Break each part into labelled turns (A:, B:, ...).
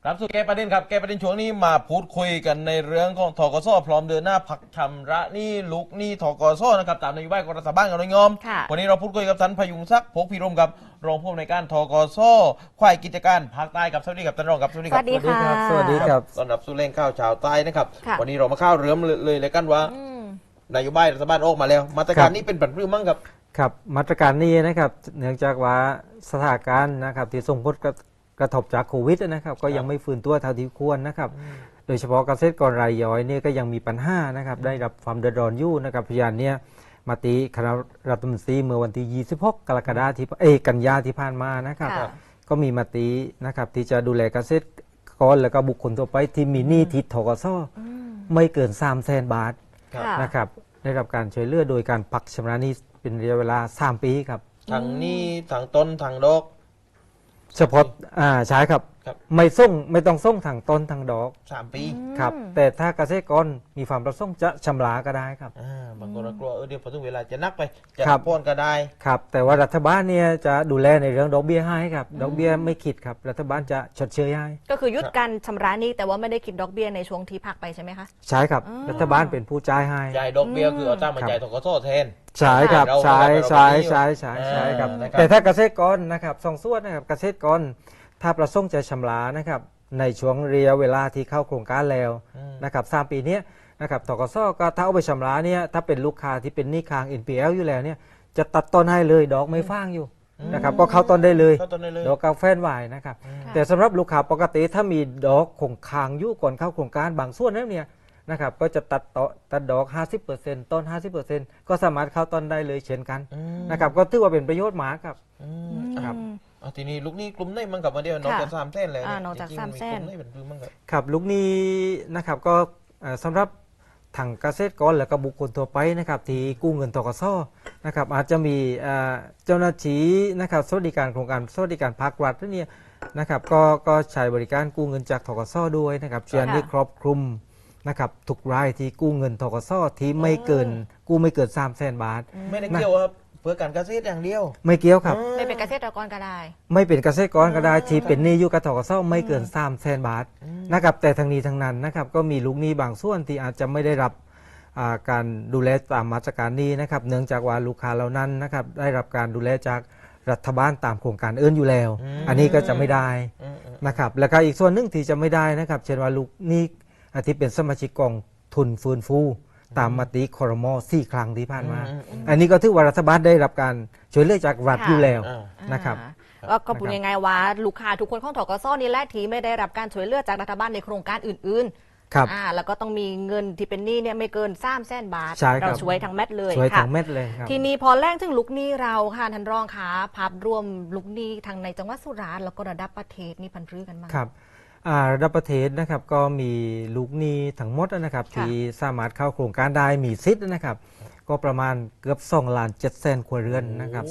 A: ครับสู่แก้ประเด็นครับแก้ประเด็นช่วงนี้มาพูดคุยกันในเรื่องของธกสพร้อมเดินหน้าพักชำระหนี้ลุกหนี้ธกสนะครับตามนโยบายของรัฐบาลกับนายอมวันนี้เราพูดคุยกับท่านพยุงศักดิ์พกพิรมกับรองผู้อำนวยการธกสฝ่ายกิจการภาคใต้กับสวัสดีครับท่านรองครับสวัสดีครับ
B: สวัสดีค่ะ
C: สวัสดีครับ
A: ต้อนรับสู่แรงข่าวชาวใต้นะครับ
B: ค่ะ
A: วันนี้เรามาเข้าเรื่องเลยกันว่านโยบายรัฐบาลออกมาแล้วมาตรการนี้เป็นปัจจุบันมั้งครับ
C: ครับมาตรการนี้นะครับเนื่องจากว่าสถานการณ์นะครับที่ส่งผลกระทบจากโควิดนะครับก็ยังไม่ฟื้นตัวเท่าที่ควรนะครับโดยเฉพาะเกษตรกรรายย่อยเนี่ยก็ยังมีปัญหานะครับได้รับความเดือดร้อนอยู่นะครับพยานเนี่ยมาติคณะรัฐมนตรีเมื่อวันที่26กรกฎาคมกันยาที่ผ่านมานะครับ
B: ค่ะ
C: ก็มีมตินะครับที่จะดูแลเกษตรกรและก็บุคคลทั่วไปที่มีหนี้ทิศธกสไม่เกิน300,000 บาท
B: ค่ะ
C: นะครับได้รับการช่วยเหลือโดยการพักชำระหนี้เป็นระยะเวลา3 ปีครับ
A: ทางหนี้ทางต้นทางดอก
C: เฉพาะใช่ครับ
A: ครับ
C: ไม่ต้องส่งทางต้นทางดอก
A: 3 ปี
C: ครับแต่ถ้าเกษตรกรมีความประสงค์จะชำระก็ได้ครับ
A: บางคนก็กลัวเดี๋ยวพอถึงเวลาจะนักไปจะ
C: ครับ
A: พ่นก็ได้
C: ครับแต่ว่ารัฐบาลเนี่ยจะดูแลในเรื่องดอกเบี้ยให้ครับดอกเบี้ยไม่คิดครับรัฐบาลจะชดเชยให้
B: ก็คือยุดการชำระหนี้แต่ว่าไม่ได้คิดดอกเบี้ยในช่วงที่พักไปใช่ไหมคะ
C: ใช่ครับรัฐบาลเป็นผู้จ่ายให้
A: จ่ายดอกเบี้ยคือเอาตั้งมาจ่ายธกสแทน
C: ใช่ครับ
A: เรา
C: ใช่
A: เรา
C: ใช่
A: เรา
C: ใช่ใช่ใช่ครับ
A: นะครับ
C: แต่ถ้าเกษตรกรนะครับสองส่วนนะครับเกษตรกรถ้าประสงค์จะชำระนะครับในช่วงระยะเวลาที่เข้าโครงการแล้วนะครับ3 ปีเนี้ยนะครับธกสก็ถ้าเอาไปชำระเนี่ยถ้าเป็นลูกค้าที่เป็นหนี้ค้าง NPL อยู่แล้วเนี่ยจะตัดต้นให้เลยดอกไม่ฟ้างอยู่นะครับก็เข้าต้นได้เลย
A: เข้าต้นได้เลย
C: ดอกกาแฟนวายนะครับแต่สำหรับลูกค้าปกติถ้ามีดอกคงค้างอยู่ก่อนเข้าโครงการบางส่วนนั้นเนี่ยนะครับก็จะตัดดอก 50% ต้น 50% ก็สามารถเข้าต้นได้เลยเช่นกันนะครับก็ถือว่าเป็นประโยชน์มากครับ ครับ
A: เอาทีนี้ลูกหนี้กลุ่มไหนมั่งกับมาเดียวนอกจาก3 แสนแล้วเนี่ย
B: นอกจาก
A: จริงๆ
B: 3 แสน
A: กลุ่มไหนเป็นพื้นมั่งครับ
C: ครับลูกหนี้นะครับก็สำหรับทางเกษตรกรและก็บุคคลทั่วไปนะครับที่กู้เงินธกสนะครับอาจจะมีเจ้าหน้าที่นะครับสวัสดิการโครงการสวัสดิการภาครัฐเนี่ยนะครับก็ใช้บริการกู้เงินจากธกสด้วยนะครับเชื่อนี้ครอบคลุมนะครับทุกรายที่กู้เงินธกสที่ไม่เกินกู้ไม่เกิน300,000 บาท
A: ไม่ได้เกี่ยวครับเพื่อการเกษตรอย่างเดียว
C: ไม่เกี่ยวครับ
B: ไม่เป็นเกษตรกรก็ได้
C: ไม่เป็นเกษตรกรก็ได้ที่เป็นหนี้อยู่กับธกสไม่เกิน300,000 บาทนะครับแต่ทางนี้ทางนั้นนะครับก็มีลูกหนี้บางส่วนที่อาจจะไม่ได้รับการดูแลตามมาตรการนี้นะครับเนื่องจากว่าลูกค้าเหล่านั้นนะครับได้รับการดูแลจากรัฐบาลตามโครงการอื่นอยู่แล้ว อันนี้ก็จะไม่ได้นะครับแล้วก็อีกส่วนหนึ่งที่จะไม่ได้นะครับเช่นว่าลูกหนี้ที่เป็นสมาชิกกองทุนฟื้นฟูตามมติครม4 ครั้งที่ผ่านมา อันนี้ก็ถือว่ารัฐบาลได้รับการช่วยเหลือจากรัฐอยู่แล้วนะครับ
B: ก็พูดยังไงว่าลูกค้าทุกคนของธกสนี่แหละที่ไม่ได้รับการช่วยเหลือจากรัฐบาลในโครงการอื่น
C: ครับ
B: ๆแล้วก็ต้องมีเงินที่เป็นหนี้เนี่ยไม่เกิน300,000 บาท
C: ใช่ครับ
B: เราช่วยทั้งเม็ดเลย
C: ช่วย
B: ค่ะ
C: ทั้งเม็ดเลยครับ
B: ทีนี้พอแรงถึงลูกหนี้เราค่ะท่านรองคะภาพรวมลูกหนี้ทางในจังหวัดสุราษฎร์แล้วก็ระดับประเทศนี่พันพื้กันบ้าง
C: ครับระดับประเทศนะครับก็มีลูกหนี้ทั้งหมดนะครับ
B: ค่ะ
C: ที่สามารถเข้าโครงการได้มีสิทธิ์นะครับก็ประมาณเกือบ2,700,000 ครัวเรือนนะครับ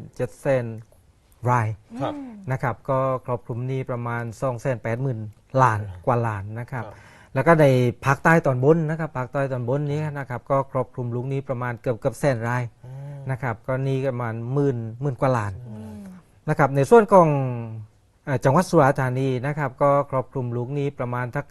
C: 2,700,000 ราย
A: ครับ
C: นะครับก็ครอบคลุมหนี้ประมาณ 280,000 ล้านกว่าล้านนะครับ
A: ครับ
C: แล้วก็ในภาคใต้ตอนบนนะครับภาคใต้ตอนบนนี้นะครับก็ครอบคลุมลูกหนี้ประมาณเกือบแสนรายนะครับก็หนี้ประมาณหมื่นกว่าล้านนะครับในส่วนของจังหวัดสุราษฎร์ธานีนะครับก็ครอบคลุมลูกหนี้ประมาณทัก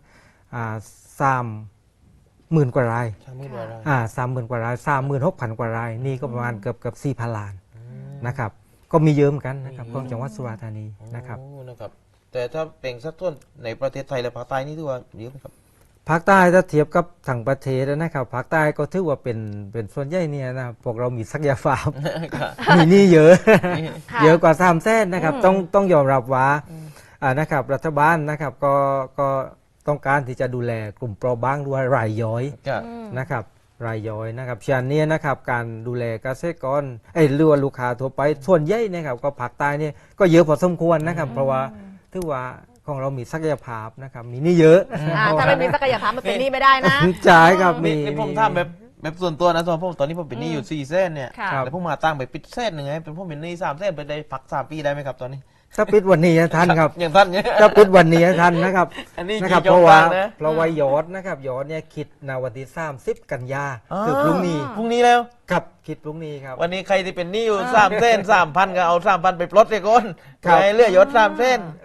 C: 30,000 กว่าราย
A: 30,000 กว่าราย
C: 30,000 กว่าราย 36,000 กว่ารายนี่ก็ประมาณเกือบ 4,000 ล้านนะครับก็มีเยอะเหมือนกันนะครับของจังหวัดสุราษฎร์ธานีนะครับ
A: โอ้นะครับแต่ถ้าเป็นสัดส่วนในประเทศไทยและภาคใต้นี่ถือว่าเยอะไหมครับ
C: ภาคใต้ถ้าเทียบกับทางประเทศนะครับภาคใต้ก็ถือว่าเป็นส่วนใหญ่เนี่ยนะพวกเรามีศักยภาพ มีหนี้เยอะ
B: ค่ะ
C: เยอะกว่า300,000นะครับต้องยอมรับว่านะครับรัฐบาลนะครับก็ต้องการที่จะดูแลกลุ่มเปราะบางด้วยรายย่อย
A: ครับ
C: นะครับรายย่อยนะครับฉะนั้นเนี่ยนะครับการดูแลเกษตรกรหรือว่าลูกค้าทั่วไปส่วนใหญ่นะครับก็ภาคใต้เนี่ยก็เยอะพอสมควรนะครับเพราะว่าถือว่าของเรามีศักยภาพนะครับมีหนี่เยอะ
B: ถ้าไม่มีศักยภาพมันเป็นหนี้ไม่ได้นะ
C: ใช่ครับมี
A: นี่ผมทำแบบส่วนตัวนะผมตอนนี้ผมเป็นหนี้อยู่4 แสนเนี่ย
B: ค่ะ
A: แล้วผมมาตั้งไปปิดแสนหนึ่งไงเป็นผมเป็นหนี้3 แสนไปได้พัก3 ปีได้ไหมครับตอนนี้
C: ถ้าปิดวันนี้นะท่านครับ
A: อย่างท่านเนี่ย
C: ถ้าปิดวันนี้นะท่านนะครับ
A: อันนี้
C: นะครับ
A: กี่
C: เพราะว่า
A: จบบ้างนะ
C: เพราะว่ายอดนะครับยอดเนี่ยคิดในวันที่30 กันยาคือพรุ่งนี้
A: พรุ่งนี้แล้ว
C: ครับคิดพรุ่งนี้ครับ
A: วันนี้ใครที่เป็นหนี้อยู่3 เส้น 3,000ก็เอา 3,000 ไปปลดเลยก้น
C: ครับ
A: ให้เหลือยศ3 เส้น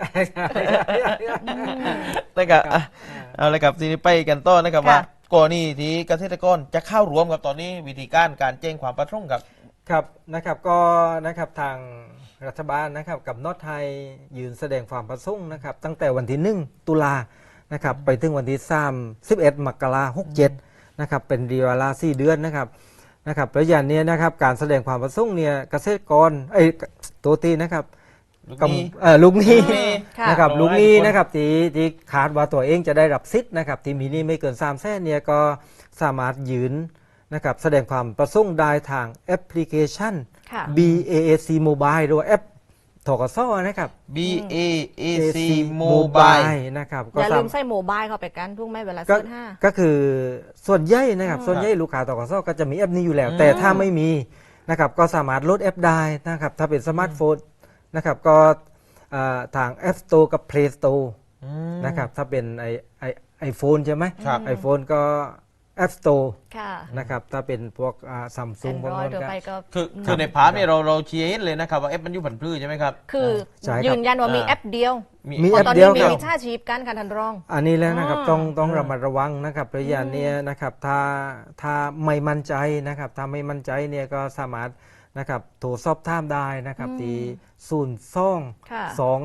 A: นะครับเอาเลยครับทีนี้ไปกันต่อนะครับว่าก่อนนี้ที่เกษตรกรจะเข้ารวมกับตอนนี้วิธีการแจ้งความประสงค์ครับ
C: ครับนะครับก็นะครับทางรัฐบาลนะครับกับนอตไทยยืนแสดงความประสงค์นะครับตั้งแต่วันที่1 ตุลานะครับไปถึงวันที่31 มกราคม 67นะครับเป็นเวลา4 เดือนนะครับระยะนี้นะครับการแสดงความประสงค์เนี่ยเกษตรกรตัวตีนะครับลูกหนี้นะครับลูกหนี้นะครับที่คาดว่าตัวเองจะได้รับสิทธิ์นะครับที่มีหนี้ไม่เกิน300,000เนี่ยก็สามารถยืนนะครับแสดงความประสงค์ได้ทางแอปพลิเคชัน BAC Mobile หรือว่าแอปธกสนะครับ
A: BAC Mobile
C: นะครับ
B: อย่าลืมใส่โมบายเข้าไปกันทุกไหมเวลา
C: ก็
B: ซื้อห้า
C: ก็คือส่วนใหญ่นะครับส่วนใหญ่ลูกค้าธกสก็จะมีแอปนี้อยู่แล้ว แต่ถ้าไม่มีนะครับก็สามารถโหลดแอปได้นะครับถ้าเป็นสมาร์ทโฟนนะครับก็ทาง App Store กับ Play Store นะครับถ้าเป็นไอโฟนใช่ไหม
A: ครับ
C: ไอโฟนก็ App Store
B: ค่ะ
C: นะครับถ้าเป็นพวกซัมซุงพวก
B: Android
C: นั้น
B: เดี๋ยว
C: ก็
B: ไปก็
A: คือในพาร์ทเนี่ยเราเชียร์เห็นเลยนะครับว่าเอฟมันอยู่ผันพืชใช่ไหมครับ
B: คือ
C: ใช่ครับ
B: ยืนยันว่ามีแอปเดียว
C: มี
B: เพ
C: แอ
B: ราะ
C: ป
B: ตอน
C: เดี
B: นี้
C: ยว
B: มี
C: ครับ
B: มิจฉาชีพกันค่ะท่านรอง
C: อันนี้แล้วนะครับ
B: อ่า
C: ต้องระมัดระวังนะครับระยะเนี้ยนะครับถ้าไม่มั่นใจนะครับถ้าไม่มั่นใจเนี่ยก็สามารถนะครับโทรสอบถามได้นะครับที่
B: ค่ะ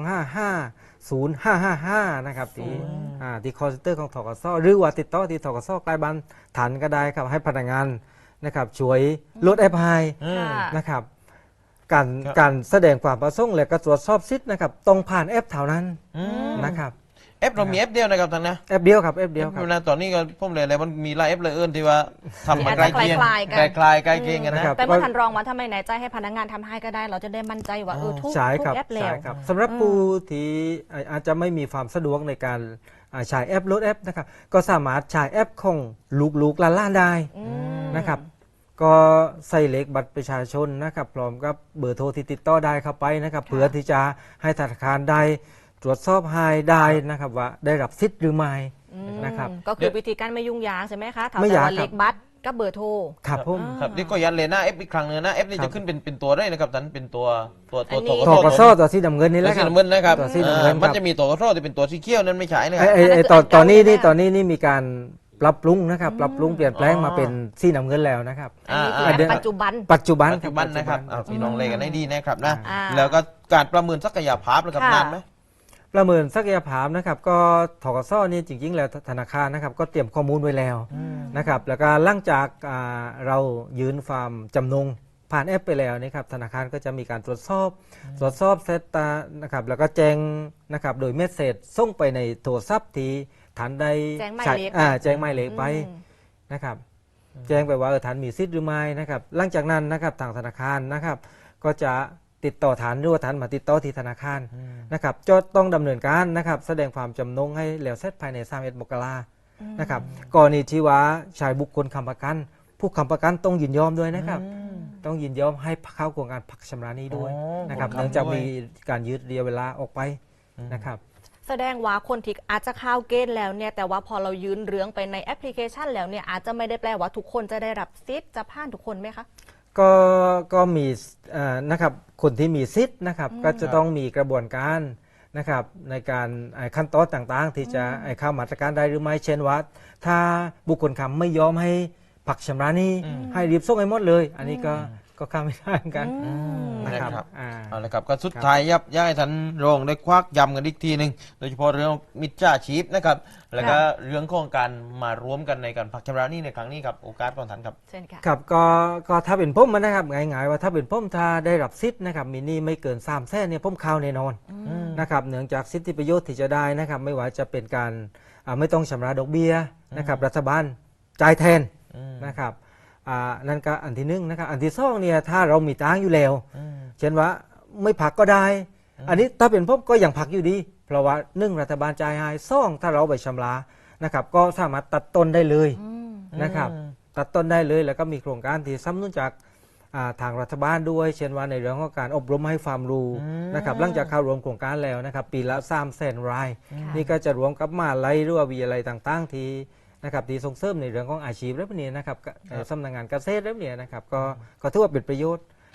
C: 02-255-0555นะครับที่คอลเซ็นเตอร์ของธกสหรือว่าติดต่อที่ธกสใกล้บ้านทันก็ได้ครับให้พนักงานนะครับช่วยลดแอปไฮ
B: ค่ะ
C: นะครับ
A: ครับ
C: การแสดงความประสงค์และก็ตรวจสอบสิทธิ์นะครับต้องผ่านแอปเท่านั้นนะครับ
A: เอฟเรามีเอฟเดียวนะครับท่านนะ
C: แอปเดียวครับแอปเดียวครับ
A: นะตอนนี้ก็ผมเลยอะไรมันมีหลายเอฟเลยเอิญที่ว่าทำมา
B: ที่
A: ใกล้
B: อาจ
A: เคียง
B: จะคล้ายๆกัน
A: ใกล้ๆใกล้เคียงกัน
C: นะ
A: นะครับ
B: แต่เมื่อท่านรองว่าถ้าไม่แน่ใจให้พนักงานทำให้ก็ได้ เราจะได้มั่นใจว่าทุก
C: ใช่ครับ
B: แอปแล้
C: ใช่
B: ว
C: ครับสำหรับผู้ที่อาจจะไม่มีความสะดวกในการใช้แอปโหลดแอปนะครับก็สามารถใช้แอปของลูกๆล้านๆได้นะครับก็ใส่เลขบัตรประชาชนนะครับพร้อมกับเบอร์โทรที่ติดต่อได้เข้าไปนะครับเพื่อที่จะให้ธนาคารได้ตรวจสอบให้ได้นะครับว่าได้รับสิทธิ์หรือไม่นะครับ
B: ก็คือวิธีการไม่ยุ่งยากใช่ไหมคะ
C: ไม่
B: แต่
C: ยาก
B: ว่า
C: ครับ
B: เลขบัตรกับเบอร์โทร
C: ครับผม
A: ครับนี่ก็ยันเลยหน้าเอฟอีกครั้งหนึงนะเอฟนี่
C: ครั
A: จะ
C: บ
A: ขึ้นเป็นตัวได้นะครับท่านเป็นตัว
B: อันนี้
C: ธกสตัวสีดำเงินนี่แห
A: ตัว
C: ละค
A: สี
C: รับ
A: น้ำเงินนะครับ
C: ตัวสีน้ำเงิน
A: มัน
C: ครับ
A: จะมีตัวกระโดดที่เป็นตัวสีเขียวนั้นไม่ใช่นะครับ
C: ตอนนี้นี่มีการปรับปรุงนะครับปรับปรุงเปลี่ยนแปลงมาเป็นสีน้ำเงินแล้วนะครับ
B: อันนี้คือแอปปัจจุบัน
C: ปัจจุบัน
A: ปัจจุบันนะครับพี่น้องเลยกันให้ดีนะครับนะ
B: อ่า
A: แล้วก็การประเมินศักยภาพนะครับ
B: ค่ะ
A: นานไหม
C: ประเมินศักยภาพนะครับก็ธกสนี่จริงๆแล้วธนาคารนะครับก็เตรียมข้อมูลไว้แล้วนะครับแล้วก็หลังจากเรายืนฟาร์มจำนงผ่านแอปไปแล้วนะครับธนาคารก็จะมีการตรวจสอบเซตตานะครับแล้วก็แจ้งนะครับโดยเมสเซจส่งไปในโทรศัพท์ที่ฐานใด
B: แจ้งหมาย
C: ใช้
B: เลข
C: แจ้งหมายเลขไป
B: อืม
C: นะครับแจ้งไปว่าฐานมีสิทธิ์หรือไม่นะครับหลังจากนั้นนะครับทางธนาคารนะครับก็จะติดต่อฐานหรือว่าฐานมาติดต่อที่ธนาคารนะครับจะต้องดำเนินการนะครับแสดงความจำนงให้แล้วเสร็จภายใน31 มกรานะครับกรณีที่ว่าชายบุคคลค้ำประกัน ผู้ค้ำประกันต้องยินยอมด้วยนะครับต้องยินยอมให้เข้าโครงการพักชำระหนี้ด้วย
A: อ๋อ
C: นะครับ
A: คนค้ำ
C: เนื่องจาก
A: ด้วย
C: มีการยืดระยะเวลาออกไปนะครับ
B: แสดงว่าคนที่อาจจะเข้าเกณฑ์แล้วเนี่ยแต่ว่าพอเรายืนเรื่องไปในแอปพลิเคชันแล้วเนี่ยอาจจะไม่ได้แปลว่าทุกคนจะได้รับสิทธิ์จะผ่านทุกคนไหมคะ
C: ก็มีนะครับคนที่มีสิทธิ์นะครับก็จะต้องมีกระบวนการนะครับในการขั้นตอนต่างๆ ที่จะเข้ามาตรการได้หรือไม่เช่นว่าถ้าบุคคลค้ำไม่ยอมให้ผักชำระหนี้ให้รีบส่งให้หมดเลย อันนี้ก็เข้าไม่ได้เหมือนกันนะครับ
A: นะครับ
C: อ่า
A: เอาละครับก็สุดท้ายยับย่ายท่านรองได้ควักย้ำกันอีกทีหนึ่งโดยเฉพาะเรื่องมิจฉาชีพนะครับแล้วก็เรื่องของการมารวมกันในการพักชำระหนี้ในครั้งนี้ครับโอกาสของท่านครับ
B: เช่นค่ะ
C: ครับก็ถ้าเป็นผมนะครับง่ายๆว่าถ้าเป็นผมถ้าได้รับสิทธิ์นะครับมีหนี้ไม่เกิน300,000เนี่ยผมเข้าแน่นอนนะครับเนื่องจากสิทธิประโยชน์ที่จะได้นะครับไม่ว่าจะเป็นการไม่ต้องชำระดอกเบี้ยนะครับรัฐบาลจ่ายแทนนะครับนั่นก็อันที่หนึ่งนะครับอันที่สองเนี่ยถ้าเรามีตังค์อยู่แล้วเช่นว่าไม่พักก็ได้ อันนี้ถ้าเป็นผมก็ยังพักอยู่ดี เพราะว่าหนึ่งรัฐบาลจ่ายให้สองถ้าเราไปชำระนะครับก็สามารถตัดต้นได้เลยนะครับตัดต้นได้เลยแล้วก็มีโครงการที่สนับสนุนจากทางรัฐบาลด้วย เช่นว่าในเรื่องของการอบรมให้ความรู้นะครับหลังจากเข้ารวมโครงการแล้วนะครับปีละ300,000 ราย นี่ก็จะรวมกับมหาลัยหรือว่าวิทยาลัยต่างๆที่นะครับที่ส่งเสริมในเรื่องของอาชีพและพวกนี้นะครับสำนักงานเกษตรและพวกนี้นะครับก็ถือว่าเป็นประโยชน์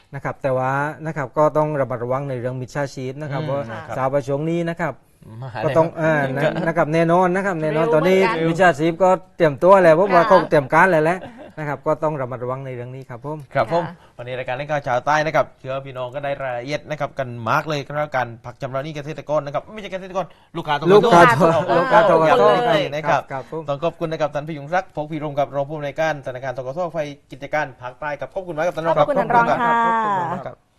C: นะครับแต่ว่านะครับก็ต้องระมัดระวังในเรื่องมิจฉาชีพนะครับเพราะ
A: ครับ
C: สาวประชงนี้นะครับ
A: มา
C: ก็
A: เลย
C: ต้อง
A: ครับ
C: นะครับแน่นอนนะครับแน่นอน
B: เร็ว
C: ตอนนี้
B: เหมือนกัน
C: มิจฉาชีพก็เตรียมตัวแล้วเพราะว่า
B: ค่ะ
C: เขาเตรียมการแล้วแหละนะครับก็ต้องระมัดระวังในเรื่องนี้ครับผม
A: ครับผม
B: ค่ะ
A: วันนี้รายการเล่นข่าวชาวใต้นะครับเชื่อพี่น้องก็ได้รายละเอียดนะครับกันมากเลยครับการผักชำระหนี้เกษตรกรนะครับไม่ใช่เกษตรกรลูกค้าต้อง
C: ลูกค้า
A: ลูกค้าต้อง
C: ลูกค้า
A: ย้ำเลยนะครับ
C: ครับผม
A: ต้องขอบคุณนะครับท่านพิยุงศักดิ์พงษ์พิรมกับรองผู้อำนวยการธนาคารธกสไฟกิจการภาคใต้ครับขอบคุณมากครับท่านรอง
B: ขอบคุณท่านรองค่ะ
C: ขอบคุณมากครับ